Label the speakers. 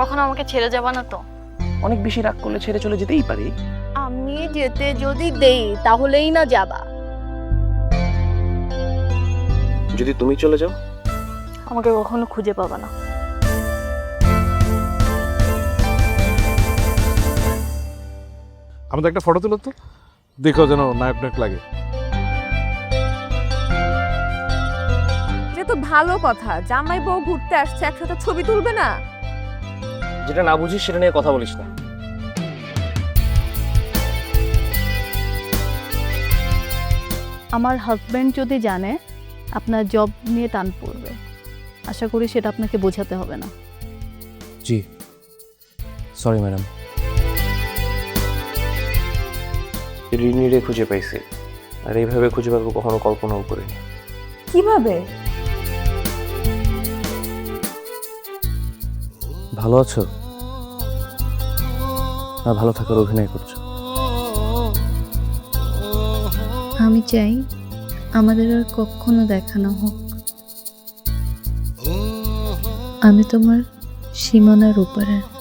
Speaker 1: কখনো আমাকে ছেড়ে যাবা না তো?
Speaker 2: অনেক বেশি রাগ করলে ছেড়ে চলে যেতেই পারি।
Speaker 3: আমি যেতে যদি দেই তাহলেই না যাবা।
Speaker 2: যদি তুমি চলে যাও?
Speaker 1: আমাকে কখনো খুঁজে পাবা না।
Speaker 4: আমাদের একটা ফটো তুলো তো, দেখো যেন নায়ক নায়ক লাগে।
Speaker 3: যে তো ভালো কথা, জামাই বউ ঘুরতে আসছে, একসাথে ছবি তুলবে না?
Speaker 2: যেটা না বুঝিস সেটা নিয়ে কথা বলিস না।
Speaker 5: আমার হাজব্যান্ড যদি জানে আপনার জব নিয়ে টান পড়বে, আশা করি সেটা আপনাকে বোঝাতে হবে না।
Speaker 2: জি সরি ম্যাডাম। রিনিরে খুঁজে পাইছি, আর এইভাবে খুঁজে পাবো কখনো কল্পনাও করিনি।
Speaker 3: কিভাবে?
Speaker 2: ভালো আছো? না ভালো থাকার অভিনয় করছো?
Speaker 5: আমি চাই আমাদের আর কখনো দেখা না হোক। আমি তোমার সীমানার উপরে।